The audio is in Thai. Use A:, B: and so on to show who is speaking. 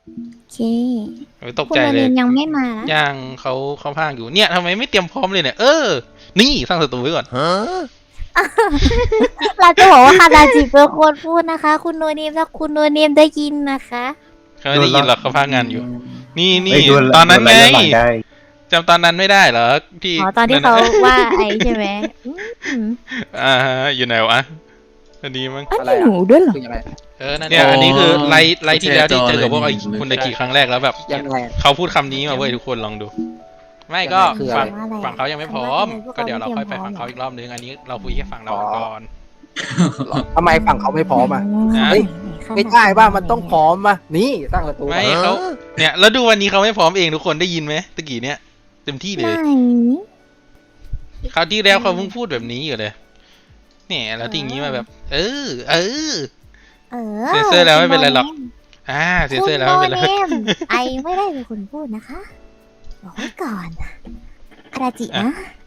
A: โอเค
B: ตก
A: คุณ
B: ใจเลย
A: โรนินยังไม่มานะ
B: ย่างเขาพากอยู่เนี่ยทำไมไม่เตรียมพร้อมเลยเนี่ยนี่สร้างศัตรูไว้ก่อน
A: เราจะบอกว่าคาราจิเป็นคนพูดนะคะ คุณโนเนมถ้าคุณโนเนมได้ยินนะคะ
B: เขาไม่ได้ยินหรอกเขาพากงานอยู่ นี่
C: เฮ้ยดู
B: ตอนนั้นไง
C: ดูย้อนหลัได้
B: จำตอนนั้นไม่ได้เหรอที่
A: อ๋อตอนที่เขาว่าไอ้ใช่ไหมอืม
B: อยู่ไหนวะอันนี้มั้ง
A: อันนี้หนูด้วยเหรอ
D: คือยังไง
B: เนี่ยอันนี้คือไลฟ์ที่แล้วที่เจอกับพวก
E: โอ
B: ไอ้
E: เค
B: คุณตะกี้ครั้งแรกแล้วแบบ
D: ยังไง
B: เขาพูดคำนี้มาเว้ยทุกคนลองดู ไม่ก็
D: คืออะไร
B: ฝั่งเขายังไม่พร้อม ก็เดี๋ยวเราค่อยไปฝั่งเขาอีกรอบนึงอันนี้เราคุยแค่ฝั่งเราก่อน
D: ทำไมฝั่งเขาไม่พร้อมอ่ะ
B: นะ
D: เฮ้ย ไม่ได้ป่ะมันต้องพร้อมมานี่สร้างประตู
B: ไม่เขาเนี่ยแล้วดูวันนี้เขาไม่พร้อมเองทุกคนได้ยินไหมตะกี้เนี่ยเต็มที่เล
A: ไหน
B: ยคราวที่แล้วเขาเพิ่งพูดแบบนี้อยู่เลยเนี่ยแล้วที่อย่างนี้มาแบบ
A: เออ
B: เซ็นเซอร์แล้วไม่เป็นไรหรอก เซ็น
A: คุ
B: เซอ
A: ณ
B: ร์แล้ว
A: โน
B: ไม่เป็นไร
A: เนมไอไม่ได้เป็นคนพูดนะคะบอกไว้ก่อนคาราจินะ